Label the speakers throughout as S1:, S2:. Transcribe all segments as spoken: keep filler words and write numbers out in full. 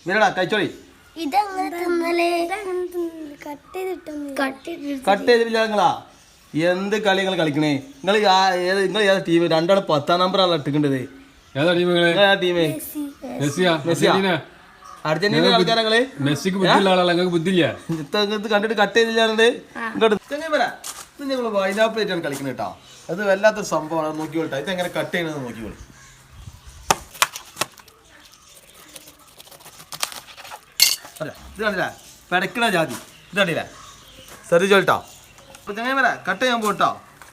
S1: മീരടാ കഴിച്ചോളി. Cut ചെയ്തിട്ടില്ല നിങ്ങളാ? എന്ത് കളി നിങ്ങൾ കളിക്കണേ? നിങ്ങൾ ഏത് നിങ്ങൾ ഏതാ ടീം? രണ്ടാളും പത്താം നമ്പറാണ് ഇട്ടിക്കേണ്ടത്.
S2: ഏതാ ടീം?
S1: ടീമേ അർജന്റീന കളിക്കാരങ്ങള്.
S2: മെസ്സിക്ക് ബുദ്ധിയുള്ള ആളല്ല, നിങ്ങൾക്ക് ബുദ്ധിയില്ല.
S1: ഇത് കണ്ടിട്ട് കട്ട് ചെയ്തില്ലാണ്ട് ഇങ്ങോട്ട് ഞങ്ങൾ വൈനാപ്പിൾ ആയിട്ടാണ് കളിക്കുന്നത് കേട്ടോ. അത് വല്ലാത്തൊരു സംഭവമാണ്. നോക്കിക്കോട്ടെ ഇത് എങ്ങനെ കട്ട് ചെയ്യണമെന്ന് നോക്കിക്കോളി. ഇത് കണ്ടില്ല പെടക്കണ ജാതി. ഇത് കണ്ടില്ല ശ്രദ്ധിച്ചോട്ടോ. അപ്പൊ ചങ്ങനെ വരാ കട്ട് ചെയ്യാൻ പോട്ടോ.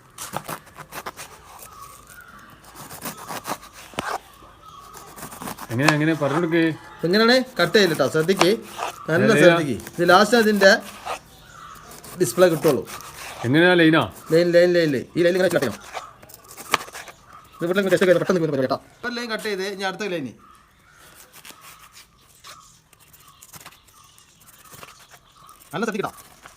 S2: എങ്ങനെ എങ്ങനെ പറഞ്ഞെടുക്കേ?
S1: എങ്ങനെയാണ് കട്ട് ചെയ്തിട്ടോ? ശ്രദ്ധിക്ക്, നല്ല ശ്രദ്ധിക്ക്. ഇത് ലാസ്റ്റ് അതിന്റെ ഡിസ്പ്ലേ കിട്ടുള്ളൂ.
S2: എങ്ങനെയാ ലൈനാ?
S1: ലൈൻ ലൈൻ ലൈൻ ഈ ലൈൻ ഇങ്ങനെ കട്ട് ചെയ്യണം. ഇത് പെട്ടെന്ന് പെട്ടെന്ന് കേട്ടോ. ഒരു ലൈൻ കട്ട് ചെയ്ത് ഞാൻ അടുത്ത ലൈന് നല്ല ശ്രദ്ധിക്കട്ടോ.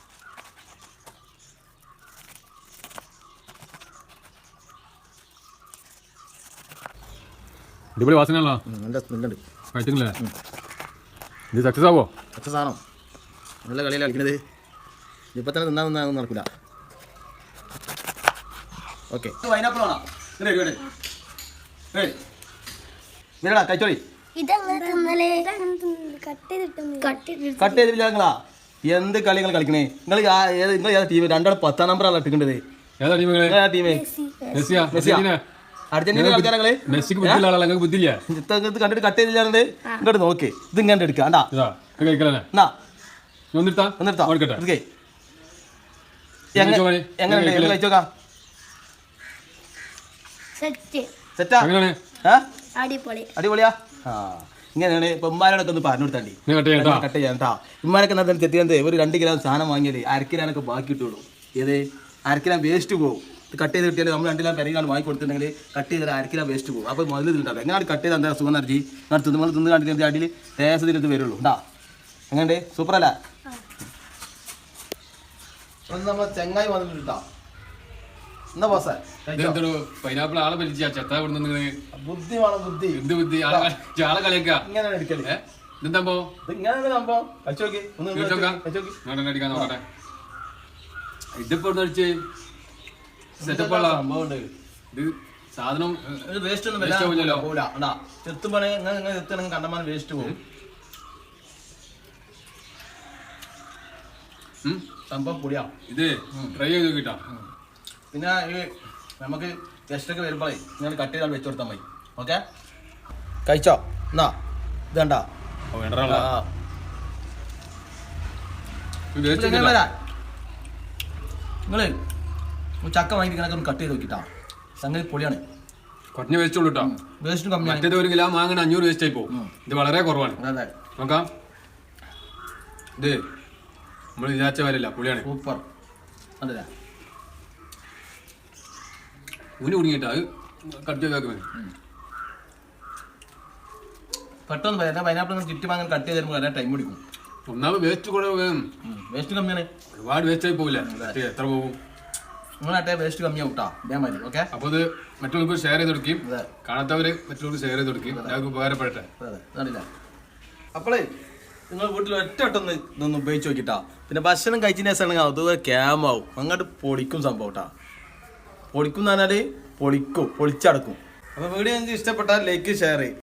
S2: അടിപൊളി വാസനയാണല്ലോ.
S1: നല്ല സ്മെല്ലുണ്ട്.
S2: കഴിച്ചിട്ടില്ലേ? ഇത് സക്സസ് ആവോ?
S1: സക്സസ് ആണോ? നല്ല കളിയിലാണ് കളിക്കുന്നത്. ഇപ്പം തന്നെ തിന്നാൻ തിന്നാൻ നടക്കില്ല. ഓക്കെ പൈനാപ്പിൾ വേണം. മീരടാ കഴിച്ചോളി. കട്ട് ചെയ്തിട്ടില്ല നിങ്ങളാ? എന്ത് കളി നിങ്ങൾ കളിക്കണേ? നിങ്ങൾ ഏത് നിങ്ങൾ ഏതാ ടീം? രണ്ടാളും പത്താം നമ്പറാണ് ഇട്ടിക്കേണ്ടത്.
S2: ഏതാ ടീം?
S1: ടീമേ അർജന്റീന കളിക്കാരങ്ങള്.
S2: മെസ്സിക്ക് ബുദ്ധിയുള്ള ആളല്ല, നിങ്ങൾക്ക് ബുദ്ധിയില്ല.
S1: ഇത് കണ്ടിട്ട് കട്ട് ചെയ്തില്ലാണ്ട് ഇങ്ങോട്ട് നോക്ക്. ഇത് ഇങ്ങനെ എടുക്കുക. എങ്ങനെ കഴിച്ചോക്കാം? അടിപൊളിയാ. ആ ഇങ്ങനെയാണ്. ഇപ്പൊ ഉമ്മാരോടൊക്കെ ഒന്ന് പറഞ്ഞു കൊടുത്താണ്ടി കട്ട് ചെയ്യാൻ കേട്ടോ. ഉമ്മാരൊക്കെ എന്താ ചെത്തിയത്? ഒരു രണ്ട് കിലോ സാധനം വാങ്ങിയത് അരക്കിലാനൊക്കെ ബാക്കി കിട്ടുള്ളൂ. ഏത് അരക്കിലാൻ വേസ്റ്റ് പോകും. കട്ട് ചെയ്ത് കിട്ടിയാൽ നമ്മൾ രണ്ടിലാം പെരയിലാണ് വാങ്ങി കൊടുത്തിട്ടുണ്ടെങ്കിൽ കട്ട് ചെയ്താൽ അരക്കിലാൻ വേസ്റ്റ് പോകും. അപ്പോൾ മുതൽ തിന്നിട്ടാവും. എങ്ങനെ കട്ട് ചെയ്താൽ എന്താ സുഖം നിറച്ചി ഞാൻ തിന്ന് തിന്ന് കണ്ടിട്ട് അടിയിൽ ടേസത്തിനടുത്ത് വരുള്ളൂ. ഉണ്ടാ എങ്ങനെ സൂപ്പറല്ല? നമ്മൾ ചെങ്ങായി വന്നിട്ടാ. എന്നാ ബോസേ
S2: പൈനാപ്പിൾ ആളെ വലിച്ച ചെത്ത
S1: ബുദ്ധി വേണം. ബുദ്ധി
S2: എന്ത് ബുദ്ധി? ആളെ കളിയാക്ക
S1: ഇങ്ങനെ എടുക്കല്.
S2: ഇതെന്താ
S1: ഇങ്ങനെ സംഭവം കഴിച്ചോക്കി
S2: അടിക്കാൻ നോക്കട്ടെ. ഇതിപ്പോ അടിച്ച് സെറ്റപ്പ് സംഭവമുണ്ട്. ഇത് സാധനം
S1: വേസ്റ്റ് ഒന്നും ചെത്തുമ്പോൾ കണ്ടമാനം വേസ്റ്റ് പോകും. സംഭവം പൊടിയാ.
S2: ഇത് ട്രൈ ചെയ്ത് നോക്കിട്ടാ.
S1: പിന്നെ ഈ നമുക്ക് ഗസ്റ്റൊക്കെ വരുമ്പോഴേ ഞാൻ കട്ട് ചെയ്താൽ വെച്ച് കൊടുത്താൽ മതി. ഓക്കെ കഴിച്ചോ? എന്നാ ഇത് കണ്ടാ നിങ്ങള് ചക്ക വാങ്ങിക്കണൊക്കെ ഒന്ന് കട്ട് ചെയ്ത് നോക്കിട്ടാ. സംഗതി പൊളിയാണ്.
S2: കുറഞ്ഞ വേസ്റ്റ് ഉള്ളൂ കേട്ടോ.
S1: വേസ്റ്റ് കമ്മിയാണ്.
S2: മറ്റേത് ഒരു കിലോ വാങ്ങണ അഞ്ഞൂറ് വേസ്റ്റ് ആയി പോകും. ഇത് വളരെ കുറവാണ്. നോക്കാം. ഇത് നമ്മൾ വിചാരിച്ച കാര്യമില്ല, പൊളിയാണ്.
S1: സൂപ്പർ. അല്ലേ
S2: ഊന് കുടുങ്ങിയിട്ടാ അത് കട്ട് ചെയ്താൽ മതി.
S1: പെട്ടെന്ന് പറയാം. പൈനാപ്പിൾ ചുറ്റി വാങ്ങാൻ കട്ട് ചെയ്ത് തരുമ്പോൾ ടൈം പിടിക്കും.
S2: ഒന്നാമത് വേസ്റ്റ് കൂടെ
S1: വേസ്റ്റ് കമ്മിയാണ്.
S2: ഒരുപാട് വേസ്റ്റ് ആയി പോകില്ല. എത്ര പോകും?
S1: നിങ്ങളാട്ടെ വേസ്റ്റ് കമ്മിയാവും കേട്ടോ. ഇതേമാതിരി ഓക്കെ.
S2: അപ്പോൾ ഇത് മറ്റുള്ളവർക്ക് ഷെയർ ചെയ്ത് കൊടുക്കും. കാണാത്തവര് മറ്റുള്ളവർക്ക് ഷെയർ ചെയ്ത് കൊടുക്കും. എല്ലാവർക്കും ഉപകാരപ്പെടട്ടെ.
S1: അതല്ല അപ്പോളേ നിങ്ങൾ വീട്ടിൽ ഒറ്റ ഒട്ടൊന്ന് ഇതൊന്ന് ഉപയോഗിച്ച് നോക്കിട്ടാ. പിന്നെ ഭക്ഷണം കഴിച്ചതിന് ശേഷം അതുപോലെ ക്യാമാവും. അങ്ങോട്ട് പൊളിക്കും സംഭവം കേട്ടോ. പൊളിക്കും എന്ന് പറഞ്ഞാൽ പൊളിക്കും, പൊളിച്ചടക്കും. അപ്പോൾ വീഡിയോ നിങ്ങൾക്ക് ഇഷ്ടപ്പെട്ടാൽ ലൈക്ക് ഷെയർ ചെയ്യും.